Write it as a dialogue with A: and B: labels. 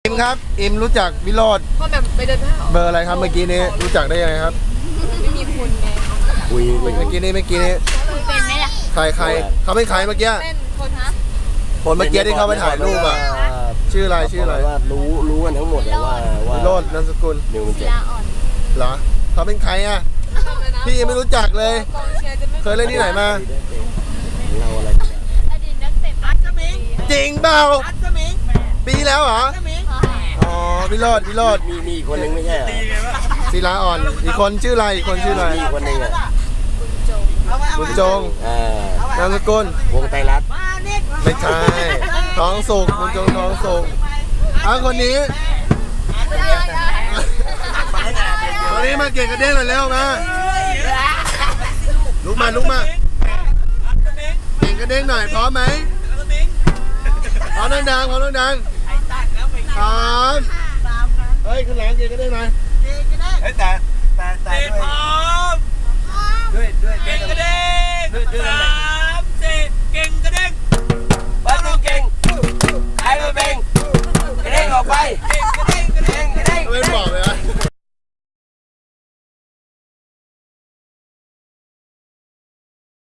A: อิมครับอิมรู้จักวิโรจน์
B: ก็แบบไปเดินห้าง
A: เบอร์อะไรครับเมื่อกี้นี้รู้จักได้ยังไงครับ
B: ไม่มีคนไง
A: เมื่อกี้นี้
B: เป็นไหมล่ะ
A: ใครเขาเป็นใครเมื่อกี้
B: เป็นคนฮะ
A: คนเมื่อกี้ที่เขาไปถ่ายรูปอ่ะชื่ออะไร
C: ว่ารู้กันทั้งหมดเลยว่า
A: วิโรจน์นามสกุล
C: นิวมัน
B: ศิ
C: เจ็บ
B: ลาอ่อน
A: เหรอเขาเป็นใครอ่ะพี่ยังไม่รู้จักเลย
B: กองเชียร์จะไม่
A: เคยเล่นที่ไหนมา
C: เราอะไร
B: อดีตนักเตะอัศมิง
A: จริงเปล่า
B: อัศมิง
A: ปีแล้วเหรอ
B: อัศมิง
A: อ๋อวิโรจน์
C: มีอีกคนนึงไม่ใช่เหรอ
A: ศิลาอ่อนอีกคนชื่ออะไรอีกคนชื่ออะไร
C: มีอีกคนนึงอ่ะ
A: บุญจงนามสกุล
C: วงไตรรัตน์
A: ไม่ใช่ท้องสุกบุญจงท้องสุกคนนี้มาเก่งกระเด้งหน่อยเร็วมาลุกมาเก่งกระเด้งหน่อยพร้อมไหมพร้อมดังๆพร้อมดังๆเฮ้ยขึ้นหลังเก่งกระเด้งหน่อยแต่ด้วยเก่งกระเด้ง3 4เก่งกระเด้ง
C: บ้านดูเก่งใครมาเบ่งกระเด้งออกไป